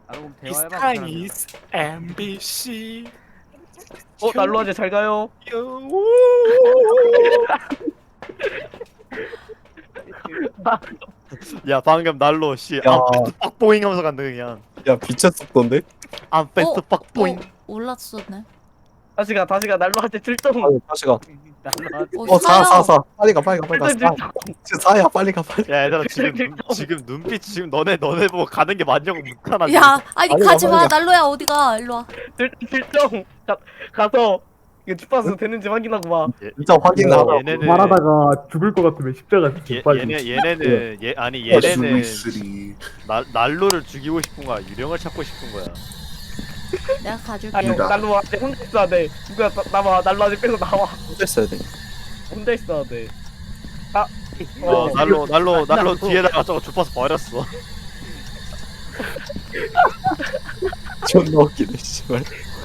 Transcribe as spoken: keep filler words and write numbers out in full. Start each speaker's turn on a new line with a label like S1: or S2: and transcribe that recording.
S1: 아 그럼
S2: It's
S1: 대화해봐 그
S2: time
S1: 사람이랑.
S2: is 엠비씨.
S3: 어 날로 하재 잘 가요.
S2: 야 방금 날로 씨.
S4: 야.
S2: 아 패스트 빡보잉 하면서 간다 그냥.
S4: 야 비차 속도인데?
S2: 아 패스트 빡보잉.
S5: 어, 올랐었네.
S3: 다시 가 다시 가 날로 하재 출동.
S4: 아유 다시 가.
S1: 날로 하재.
S5: 어,
S4: 어 사
S5: 사요.
S4: 사 사 빨리 가 빨리 가 빨리 가.
S3: 출동
S4: 사.
S3: 출동.
S4: 지금 사야 빨리 가 빨리.
S2: 야 얘들아 지금 눈, 지금 눈빛 지금 너네 너네 보고 가는 게 맞냐고 묵하나.
S5: 야, 아니
S4: 아니,
S5: 가지 마.
S4: 아니,
S5: 날로야 어디가? 일로 와.
S3: 출동 출동. 가 가서 이거 주파수 되는지 확인하고 와.
S4: 진짜 확인하라.
S2: 얘네는
S6: 말하다가 죽을 것 같으면 십자가
S2: 얘,
S6: 빨리.
S2: 얘네 얘네는 얘 아니
S4: 어,
S2: 얘네는
S7: 쓰리.
S2: 날 날로를 죽이고 싶은 거야. 유령을 찾고 싶은 거야.
S5: 내가 가줄게.
S3: 아니
S7: 아니다.
S3: 날로 하재 혼자 있어야 돼. 누구야 나- 나와 날로 하재 빼고 나와.
S4: 혼자 있어야 돼.
S3: 혼자 있어야 돼. 아.
S2: 어,
S3: 어.
S2: 날로 날로 날로
S3: 날로.
S2: 뒤에다가 저거 주파수 버렸어.
S4: 존나 웃기네 씨발.